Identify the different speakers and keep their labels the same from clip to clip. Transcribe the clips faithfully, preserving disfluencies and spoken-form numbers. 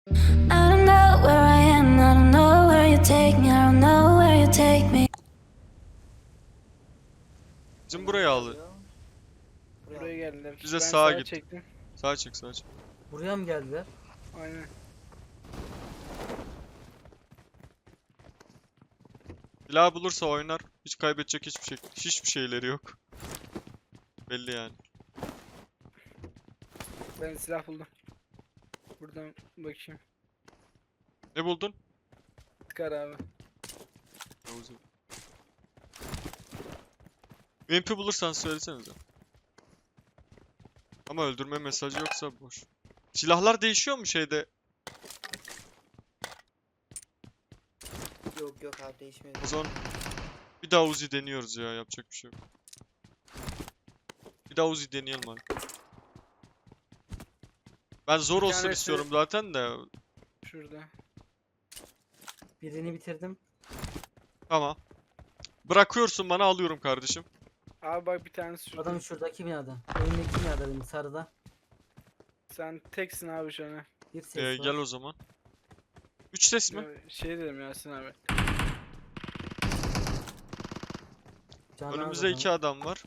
Speaker 1: I don't know where I am, I don't know where you take me, I don't know where you take me.
Speaker 2: Bizim buraya al.
Speaker 3: Buraya geldiler.
Speaker 2: Bize
Speaker 3: Ben
Speaker 2: sağa git.
Speaker 3: çektim.
Speaker 2: Sağa çık, sağa çık.
Speaker 4: Buraya mı geldiler?
Speaker 3: Aynen.
Speaker 2: Silah bulursa oynar. Hiç kaybedecek hiçbir şey, hiçbir şeyleri yok. Belli yani.
Speaker 3: Ben silah buldum. Buradan bakayım.
Speaker 2: Ne buldun?
Speaker 3: Tıkar abi.
Speaker 2: Yavuz'um. U M P bulursan söylesenize. Ama öldürme mesajı yoksa boş. Silahlar değişiyor mu şeyde?
Speaker 5: Yok yok abi değişmedi.
Speaker 2: O zaman bir daha Uzi deniyoruz ya, yapacak bir şey yok. Bir daha Uzi deneyelim abi. Ben zor
Speaker 3: Bir
Speaker 2: olsun
Speaker 3: tanesi-
Speaker 2: istiyorum zaten de.
Speaker 3: Şurada.
Speaker 4: Birini bitirdim.
Speaker 2: Tamam. Bırakıyorsun bana, alıyorum kardeşim.
Speaker 3: Abi bak bir tanesi şurada.
Speaker 4: Adam şuradaki binada. Önündeki binada benim sarıda.
Speaker 3: Sen teksin abi şu an.
Speaker 4: Bir ses
Speaker 2: Ee,
Speaker 4: var.
Speaker 2: gel o zaman. Üç ses mi?
Speaker 3: Ya, Şey dedim Yasin abi.
Speaker 4: Canı
Speaker 2: Önümüzde
Speaker 4: az
Speaker 2: iki
Speaker 4: adamın.
Speaker 2: adam var.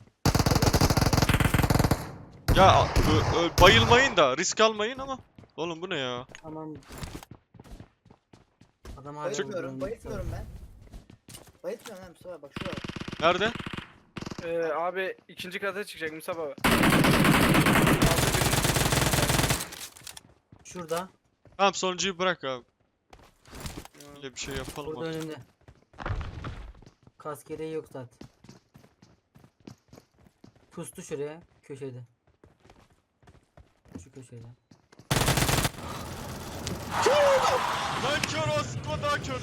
Speaker 2: Ya ö- ö- bayılmayın da, risk almayın ama. Oğlum bu ne ya?
Speaker 4: Tamam. Adam hala
Speaker 5: Bayıtmıyorum,
Speaker 4: vurdu,
Speaker 5: bayıtmıyorum ben. Bayıtmıyorum lan Mustafa bak şurada.
Speaker 2: Nerede?
Speaker 3: Ee, abi ikinci kata çıkacak Mustafa abi.
Speaker 4: Şurada.
Speaker 2: Tamam, sonuncuyu bırak abi.
Speaker 3: Aldı birini.
Speaker 2: Öyle bir şey yapalım
Speaker 4: Burada
Speaker 2: artık.
Speaker 4: önünde. Kask gereği yok zaten. Pustu şuraya. Köşede. Şu köşede.
Speaker 2: Lan kör olsun, daha kör.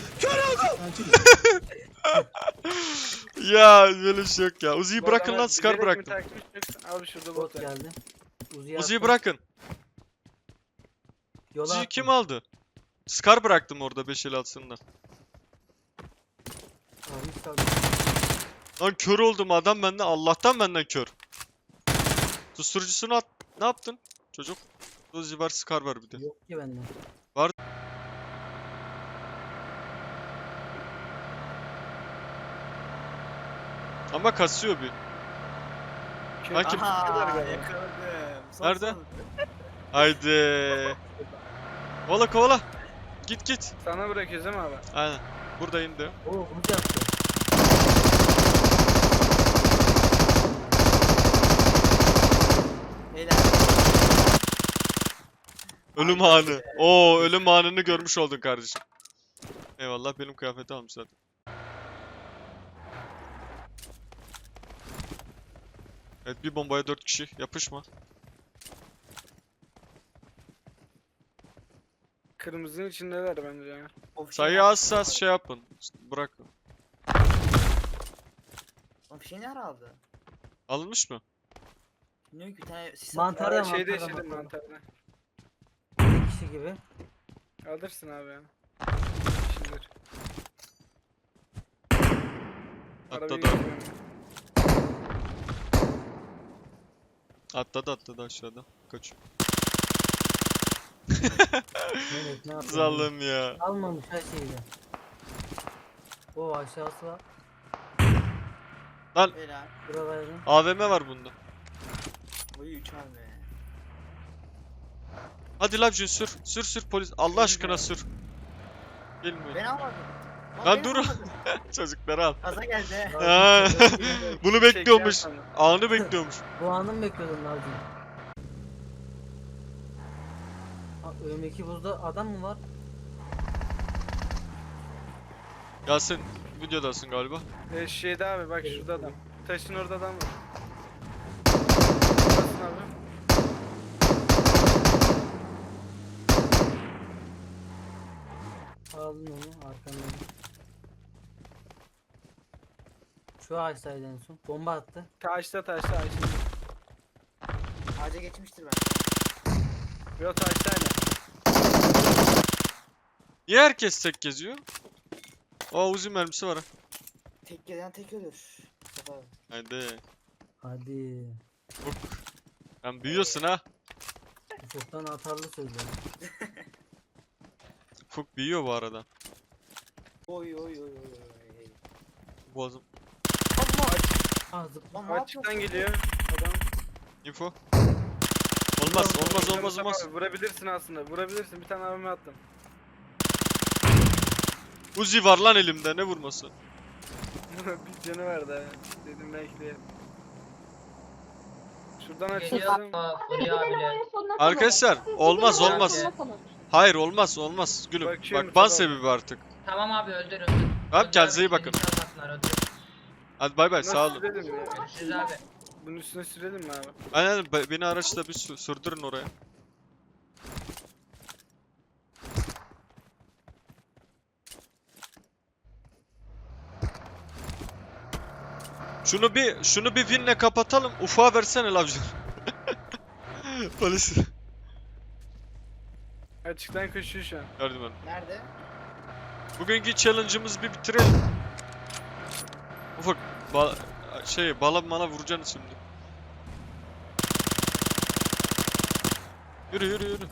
Speaker 2: Ya böyle bir şey yok ya. Uzi'yi
Speaker 3: Bu
Speaker 2: bırakın
Speaker 3: adamlar
Speaker 2: lan, Scar
Speaker 3: bilerek mi
Speaker 2: bıraktım.
Speaker 3: takmış yoksa- Abi şurada bot
Speaker 4: Bot
Speaker 3: var.
Speaker 4: geldi. Uzi'yi
Speaker 2: Uzi'yi
Speaker 4: attım.
Speaker 2: bırakın.
Speaker 4: Yola
Speaker 2: Uzi'yi
Speaker 4: attım.
Speaker 2: kim aldı? Scar bıraktım orada beş el altında.
Speaker 4: Almış kaldı.
Speaker 2: Lan kör oldum, adam benden, Allah'tan benden kör. Susturucusunu at. Ne yaptın çocuk? Uzi var, Scar var bir de.
Speaker 4: Yok ki bende.
Speaker 2: Ama kasıyor bir. Lan kim?
Speaker 3: Aha, kadar galiba.
Speaker 5: yakaladım. Son
Speaker 2: Nerede?
Speaker 5: son.
Speaker 2: Haydi. Kovala kovala. Git git.
Speaker 3: Sana bırakıyoruz değil mi abi?
Speaker 2: Aynen. Buradayım de.
Speaker 4: Oo bunu da yaptı.
Speaker 5: Beyler.
Speaker 2: Ölüm anı. Oo, ölüm anını görmüş oldun kardeşim. Eyvallah, benim kıyafeti almış zaten. Evet, bir bombaya dört kişi. Yapışma.
Speaker 3: Kırmızının içindeler bence ya.
Speaker 5: O fişeği
Speaker 2: Sayı
Speaker 5: nerede?
Speaker 2: az az şey yapın. Bırakın.
Speaker 5: O fişeği nerede aldı?
Speaker 2: Alınmış mı?
Speaker 5: Bilmiyorum ki bir tane sis
Speaker 4: Mantar-
Speaker 5: atıyor.
Speaker 4: Mantarda,
Speaker 3: Aa, şeyde
Speaker 4: mantarda,
Speaker 3: şeyde
Speaker 4: mantarda.
Speaker 3: mantarda.
Speaker 4: Bir kişi gibi.
Speaker 3: Alırsın abi ya. Şimdidir. Arabayı
Speaker 2: Atladı.
Speaker 3: getiriyorum.
Speaker 2: Atladı atladı aşağıda. Kaçıyor.
Speaker 4: Evet ne yapalım.
Speaker 2: Zallım ya.
Speaker 4: Almamış her şeyi de. O aşağısı var.
Speaker 5: Beyler.
Speaker 4: Buralarda.
Speaker 2: A V M var bunda.
Speaker 5: Boyu üç abi.
Speaker 2: Hadi Labjin sür. Sür sür polis. Allah aşkına sür. Gelmiyor.
Speaker 5: Ben almadım.
Speaker 2: Lan
Speaker 5: ben
Speaker 2: dur.
Speaker 5: almadım.
Speaker 2: Çocukları al.
Speaker 5: Kaza geldi.
Speaker 2: Ha, bunu bekliyormuş.
Speaker 3: Çekeceğim
Speaker 2: Anı bekliyormuş.
Speaker 4: Bu anı mı bekliyordun Nazlı? Ha, önümdeki buzda adam mı var?
Speaker 2: Yasin videodasın galiba.
Speaker 3: sana. Ee, şeyde abi bak şurada adam. Taşın orada adam var. Basın abi.
Speaker 4: Aldın onu arkamdan. Şu ağaçtaydı en son. Bomba attı.
Speaker 3: Taşta taşta ağaçta.
Speaker 5: Ağaca geçmiştir ben.
Speaker 3: Yok taştayla.
Speaker 2: Niye herkes tek geziyor? Aa, Uzi mermisi var ha.
Speaker 5: Tek gelen tek ölür. Mustafa abi.
Speaker 2: Haydi.
Speaker 4: Hadi.
Speaker 2: Bak. Sen büyüyorsun ha.
Speaker 4: Ufuktan atarlı sözler.
Speaker 2: Ufuk büyüyor bu arada.
Speaker 5: Oy oy oy oy oy.
Speaker 2: Boğazım.
Speaker 3: Ama açık,
Speaker 4: Ah zıpla.
Speaker 5: Lan ne
Speaker 3: açıktan
Speaker 5: yapıyorsun?
Speaker 3: geliyor. Adam.
Speaker 2: Info. Olmaz olmaz
Speaker 3: Mustafa
Speaker 2: olmaz olmaz.
Speaker 3: abi, vurabilirsin aslında. Vurabilirsin. Bir tane abime attım.
Speaker 2: Uzi var lan elimde, ne vurması?
Speaker 3: Bir canı vardı ha. Dedim belki de.
Speaker 6: Geliyor.
Speaker 3: Şuradan açılsın.
Speaker 6: Aa, Furi abiler.
Speaker 2: Arkadaşlar olmaz
Speaker 6: Abi.
Speaker 2: olmaz. Hayır olmaz olmaz gülüm.
Speaker 3: Bakıyorum,
Speaker 2: Bak ban
Speaker 3: tamam.
Speaker 2: sebebi artık.
Speaker 6: Tamam abi öldür öldür.
Speaker 2: Tamam,
Speaker 6: Öldür
Speaker 2: kendinize
Speaker 6: abi,
Speaker 2: iyi bakın.
Speaker 6: şimdi çalmasınlar, öldür.
Speaker 2: Hadi bay bay,
Speaker 3: Nasıl
Speaker 2: sağ olun.
Speaker 3: sürelim ya?
Speaker 6: Görüşürüz abi.
Speaker 3: Bunun üstüne sürelim mi abi?
Speaker 2: Aynen, be- beni araçla bir sü- sürdürün oraya. Şunu bir şunu bir winle kapatalım. Ufağa versene lavcı. Polis.
Speaker 3: Açıktan koşuyor şu an.
Speaker 2: Yardım edin.
Speaker 5: Nerede?
Speaker 2: Bugünkü challenge'ımızı bir bitirelim. Ufak ba şey bala mala vuracaksın şimdi. Yürü yürü yürü.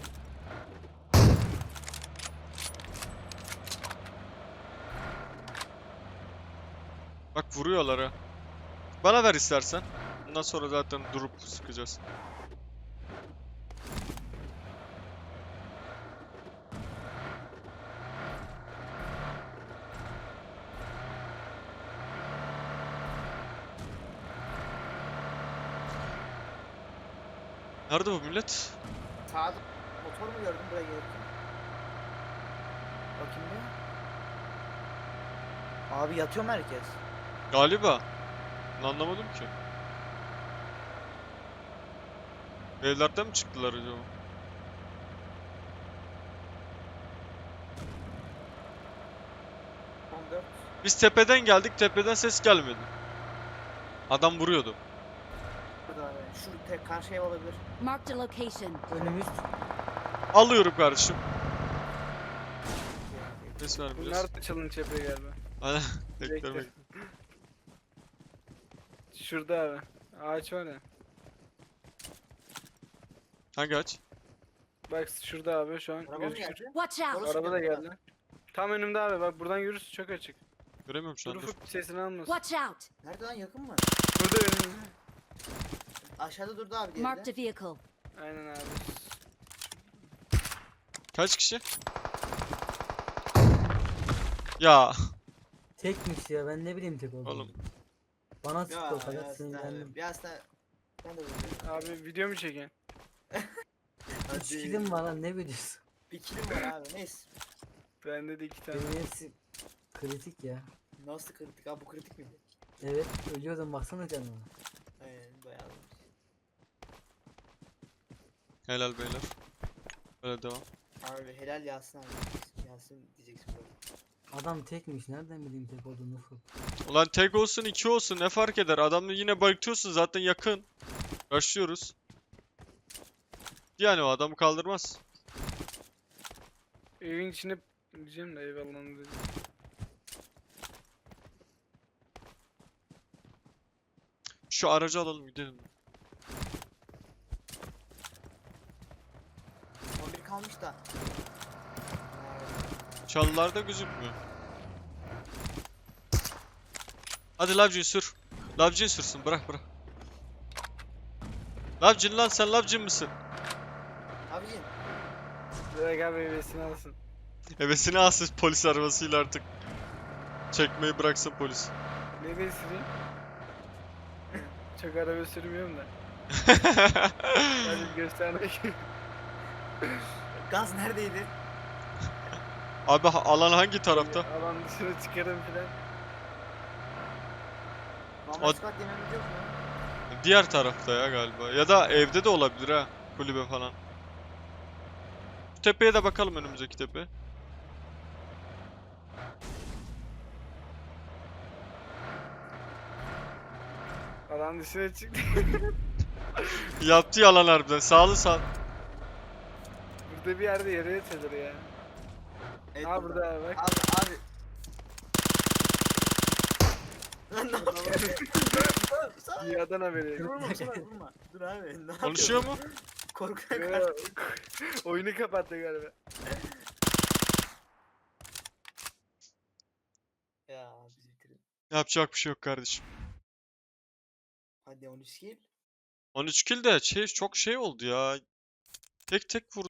Speaker 2: Bak vuruyorlar ha. Bana ver istersen. Bundan sonra zaten durup sıkacağız. Nerede bu millet?
Speaker 5: Sağda motor mu gördün buraya gelirken? Bakayım bir. Abi yatıyor mu herkes?
Speaker 2: Galiba. Ben anlamadım ki. Evlerden mi çıktılar acaba?
Speaker 5: on dört.
Speaker 2: Biz tepeden geldik, tepeden ses gelmedi. Adam vuruyordu.
Speaker 5: Burada abi. Şu tek karşı ev olabilir.
Speaker 1: Marked a location.
Speaker 4: Önümüz.
Speaker 2: Alıyorum kardeşim. Ses vermeyeceğiz.
Speaker 3: Bunlar da challenge yapıyor galiba.
Speaker 2: Aynen.
Speaker 3: Bekle.
Speaker 2: Beklemek.
Speaker 3: Şurada abi. Ağaç var ya.
Speaker 2: Hangi aç?
Speaker 3: Bak şurada abi şu an
Speaker 5: Araba mı
Speaker 3: gözüküyor.
Speaker 5: geldi?
Speaker 1: Watch out!
Speaker 5: Orası
Speaker 3: Araba da
Speaker 5: geldi.
Speaker 3: geldi. Tam önümde abi bak buradan görürsün çok açık.
Speaker 2: Göremiyorum şu
Speaker 3: Dur
Speaker 2: an, dur.
Speaker 3: ufuk sesini almasın.
Speaker 1: Watch out!
Speaker 5: Nerede lan, yakın mı?
Speaker 3: Burada önümde.
Speaker 5: Aşağıda durdu abi
Speaker 1: Marked
Speaker 5: geride.
Speaker 1: a vehicle.
Speaker 3: Aynen abi.
Speaker 2: Kaç kişi? Ya
Speaker 4: Tekmiş ya, ben ne bileyim tek olduğunu.
Speaker 2: oğlum.
Speaker 4: Bana sıktı
Speaker 5: Ya
Speaker 4: o kadar
Speaker 5: Yasin
Speaker 4: sinirlendim.
Speaker 5: abi. Yasin abi. Ben de böyle.
Speaker 3: Abi video mu çeken?
Speaker 4: Üç kilim var lan, ne biliyorsun?
Speaker 5: Bir kilim var abi, neyse.
Speaker 3: Bende de iki tane.
Speaker 4: Benim hepsi kritik ya.
Speaker 5: Nasıl kritik abi, bu kritik miydi?
Speaker 4: Evet, ölüyordum baksana canıma.
Speaker 5: Aynen bayağı.
Speaker 2: Helal beyler. Böyle devam.
Speaker 5: Abi helal Yasin abi. Yasin diyeceksin böyle.
Speaker 4: Adam tekmiş, nereden bileyim tek olduğunu ufuk.
Speaker 2: Ulan tek olsun iki olsun ne fark eder? Adamla yine bayıltıyorsun zaten, yakın. Başlıyoruz. Yani o adamı kaldırmaz.
Speaker 3: Evin içine diyeceğim de eyvallah dedim.
Speaker 2: Şu aracı alalım gidelim.
Speaker 5: on bir kalmış da.
Speaker 2: Çalılarda gözükmüyor. Hadi Lavcin sür. Lavcin sürsün, bırak bırak. Lavcin lan, sen Lavcin misin?
Speaker 5: Abicim.
Speaker 3: Direkt abi hevesini alsın.
Speaker 2: Hevesini alsın polis arabasıyla artık. Çekmeyi bıraksın polis.
Speaker 3: Ne de süreyim? Çok araba sürmüyorum da. Hadi göstermek.
Speaker 5: Gaz neredeydi?
Speaker 2: Abi ha- alan hangi tarafta?
Speaker 3: Alan dışına çıkarım filan.
Speaker 5: Normal
Speaker 2: O-
Speaker 5: squat yememiz yok mu?
Speaker 2: Diğer tarafta ya galiba. Ya da evde de olabilir ha. Kulübe falan. Şu tepeye de bakalım, önümüzdeki tepe.
Speaker 3: Alan dışına çıktı.
Speaker 2: Yaptı yalan harbiden. Sağlı sağ.
Speaker 3: Burada bir yerde yere yatılır ya.
Speaker 5: Evet,
Speaker 3: Ha burada abi bak.
Speaker 5: Abi abi. Lan ne yapıyorsun?
Speaker 3: Dünyadan haberi. yok.
Speaker 5: Vurma vurma vurma. Dur abi. Ne yapıyorsun?
Speaker 2: Konuşuyor mu?
Speaker 5: Korkuya
Speaker 3: Yo,
Speaker 5: karşı.
Speaker 3: Oyunu kapattı galiba.
Speaker 2: Yapacak bir şey yok kardeşim.
Speaker 5: Hadi on üç kill.
Speaker 2: on üç kill de şey çok şey oldu ya. Tek tek vurdu.